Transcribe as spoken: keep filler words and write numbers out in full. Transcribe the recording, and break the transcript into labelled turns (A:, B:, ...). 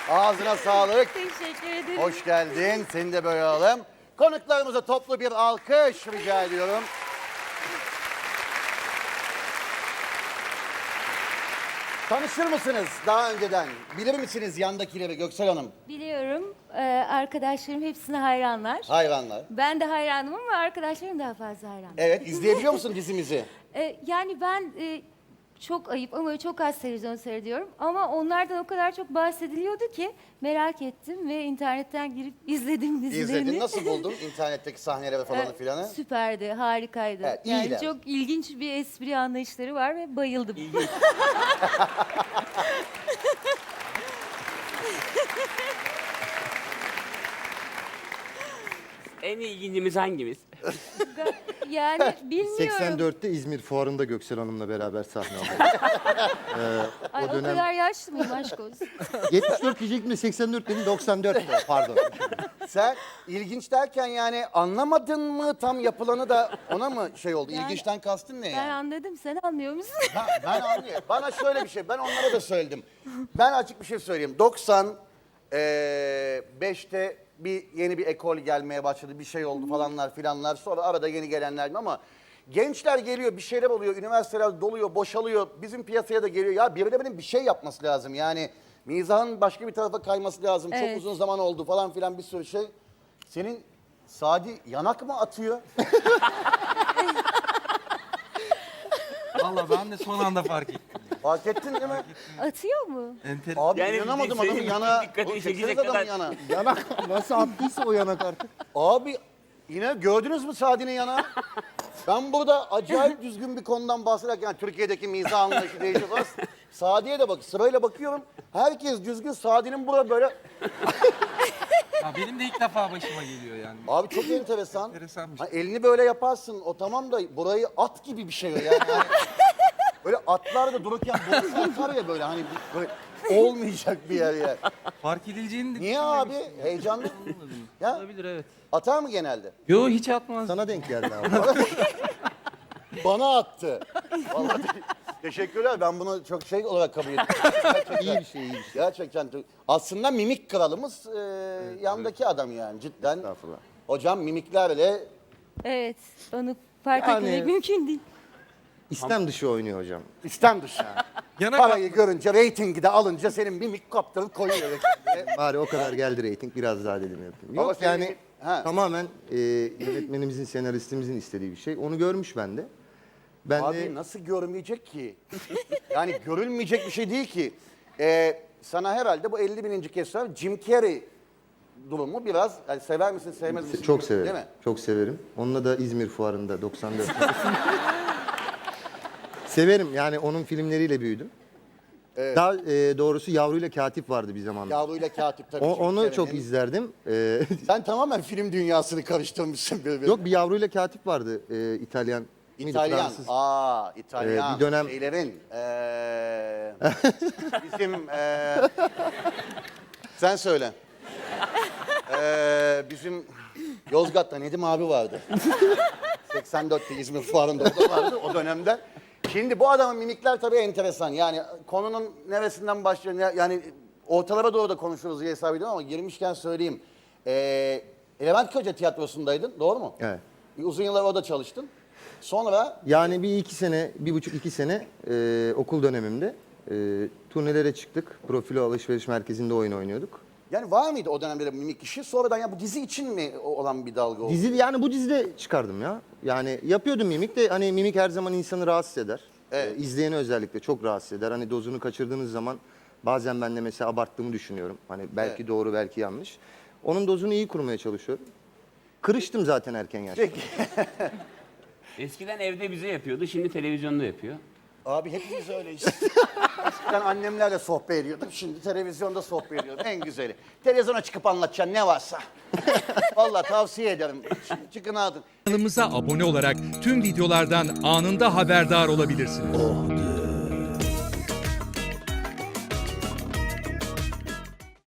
A: Ağzına sağlık.
B: Teşekkür ederim.
A: Hoş geldin. Seni de böyle alalım. Konuklarımıza toplu bir alkış rica ediyorum. Tanışır mısınız daha önceden? Bilir misiniz yandakileri Göksel Hanım?
B: Biliyorum. Ee, arkadaşlarım hepsine hayranlar.
A: Hayranlar.
B: Ben de hayranım ama arkadaşlarım daha fazla hayran.
A: Evet, izleyebiliyor musun dizimizi?
B: Ee, yani ben e, çok ayıp ama çok az televizyon seyrediyorum. Ama onlardan o kadar çok bahsediliyordu ki merak ettim ve internetten girip izledim dizilerini.
A: İzledin. Nasıl buldun internetteki sahneleri falanı
B: Ee,
A: filanı?
B: Süperdi, harikaydı.
A: Evet,
B: yani
A: iyiler.
B: çok ilginç bir espri anlayışları var ve bayıldım.
C: En ilgincimiz hangimiz?
B: Yani bilmiyorum.
D: seksen dörtte İzmir Fuarı'nda Göksel Hanım'la beraber sahne aldık.
B: Ay, o,
D: o dönem-
B: kadar yaşlı mıyım aşk olsun?
D: yetmiş dört diyecektim de seksen dört dedim, doksan dört pardon.
A: Sen ilginç derken yani anlamadın mı tam yapılanı da ona mı şey oldu?
B: Yani-
A: İlginçten kastın ne
B: Ben
A: yani?
B: anladım, sen anlıyor musun?
A: Ha, ben anlıyorum. Bana şöyle bir şey, ben onlara da söyledim. Ben açık bir şey söyleyeyim. doksan beşte bir yeni bir ekol gelmeye başladı, bir şey oldu falanlar filanlar. Sonra arada yeni gelenler ama gençler geliyor, bir şeyler oluyor, üniversiteler doluyor, boşalıyor. Bizim piyasaya da geliyor. Ya birilerinin bir şey yapması lazım yani. Mizahın başka bir tarafa kayması lazım. Çok
B: Evet.
A: uzun zaman oldu falan filan bir sürü şey. Senin Sadi yanak mı atıyor?
E: Valla ben de son anda fark ettim.
A: Fark ettin değil mi?
B: Atıyor mu?
E: Enter...
A: Abi
C: Yani
A: inanamadım
C: senin
A: adamın yana.
C: dikkatini
A: Oğlum,
C: çekecek
A: çekseniz adamın
C: kadar-
A: yana.
D: Yanak nasıl attıysa o yanak artık.
A: Abi yine gördünüz mü Sadi'nin yana? Ben burada acayip düzgün bir konudan bahsederken yani Türkiye'deki mizah anlayışı değişiyor falan. Sadi'ye de bak sırayla bakıyorum. Herkes düzgün. Sadi'nin burada böyle.
E: Ya benim de ilk defa başıma geliyor yani.
A: Abi çok enteresan.
E: Enteresanmış.
A: Ha, elini böyle yaparsın. O tamam da burayı at gibi bir şey o yani. Yani böyle atlar da dururken burası atar ya böyle hani bir- böyle olmayacak bir yer yani.
E: Fark edileceğini de
A: Niye abi? Heyecanlı. Ya
E: Olabilir, evet.
A: atar mı genelde?
E: Yo, hiç atmaz.
D: Sana denk geldi abi.
A: Bana attı. Vallahi te- teşekkürler. Ben bunu çok şey olarak kabul ediyorum. Gerçekten,
D: İyi bir şey, iyi bir şey.
A: Gerçekten. Aslında mimik kralımız e, yandaki adam yani cidden.
D: Estağfurullah.
A: Hocam mimiklerle
B: Evet, onu fark
D: Yani-
B: etmemek mümkün değil.
D: İstem dışı oynuyor hocam.
A: istem dışı.
E: Yanak
A: Parayı görünce, reytingi de alınca senin mimik kaptırıp koyuyor.
D: Bari o kadar geldi reyting, biraz daha dedim yapayım.
A: Ama
D: Yok
A: senin-
D: yani
A: ha.
D: tamamen e, yönetmenimizin, senaristimizin istediği bir şey. Onu görmüş bende. Ben
A: Abi
D: de
A: nasıl görmeyecek ki? Yani görülmeyecek bir şey değil ki. Ee, sana herhalde bu elli bininci kez söylüyorum. Jim Carrey durumu biraz yani sever misin sevmez misin?
D: çok severim.
A: Değil mi?
D: Çok severim. Onunla da İzmir Fuarı'nda doksan dört. Severim yani, onun filmleriyle büyüdüm. Daha e, doğrusu Yavruyla Katip vardı bir zamanlar.
A: Yavruyla katip tabii.
D: O,
A: Jim
D: onu çok
A: Carrey'nin.
D: izlerdim. E,
A: Sen tamamen film dünyasını karıştırmışsın birbirine.
D: yok, bir Yavruyla Katip vardı, e, İtalyan. mıydı,
A: İtalyan.
D: Fransız.
A: Aa, İtalyan.
D: Ee, bir dönem-
A: Şeylerin. ee, bizim ee, sen söyle. Ee, bizim Yozgat'ta Nedim abi vardı. seksen dörtte İzmir Fuarı'nda o da vardı o dönemde. Şimdi bu adamın mimikler tabii enteresan. Yani konunun neresinden başlıyor? ne- Yani ortalara doğru da konuşuruz diye hesap ediyorum ama girmişken söyleyeyim. Ee, Levent Kırca tiyatrosundaydın, doğru mu?
D: Evet.
A: Bir uzun yıllar orada çalıştın. Sonra
D: Yani bir iki sene, bir buçuk iki sene e, okul dönemimde e, turnelere çıktık. Profilo Alışveriş Merkezi'nde oyun oynuyorduk.
A: yani var mıydı o dönemde de mimik işi? Sonradan ya bu dizi için mi o- olan bir dalga oldu?
D: Dizi, yani bu dizide çıkardım ya. Yani yapıyordum mimik de, hani mimik her zaman insanı rahatsız eder.
A: Evet.
D: E, izleyeni özellikle çok rahatsız eder. Hani dozunu kaçırdığınız zaman bazen ben de mesela abarttığımı düşünüyorum. Hani belki
A: Evet.
D: doğru, belki yanlış. Onun dozunu iyi kurmaya çalışıyorum. Kırıştım zaten erken yaşta.
A: Peki.
C: Eskiden evde bize yapıyordu, şimdi televizyonda yapıyor.
A: Abi hepimiz öyle işte. Eskiden annemlerle sohbet ediyordum. Şimdi televizyonda sohbet ediyorum. En güzeli. Televizyona çıkıp anlatacaksın ne varsa. Vallahi tavsiye ederim. Ç- Çıkın adın.
F: Kanalımıza abone olarak tüm videolardan anında haberdar olabilirsiniz.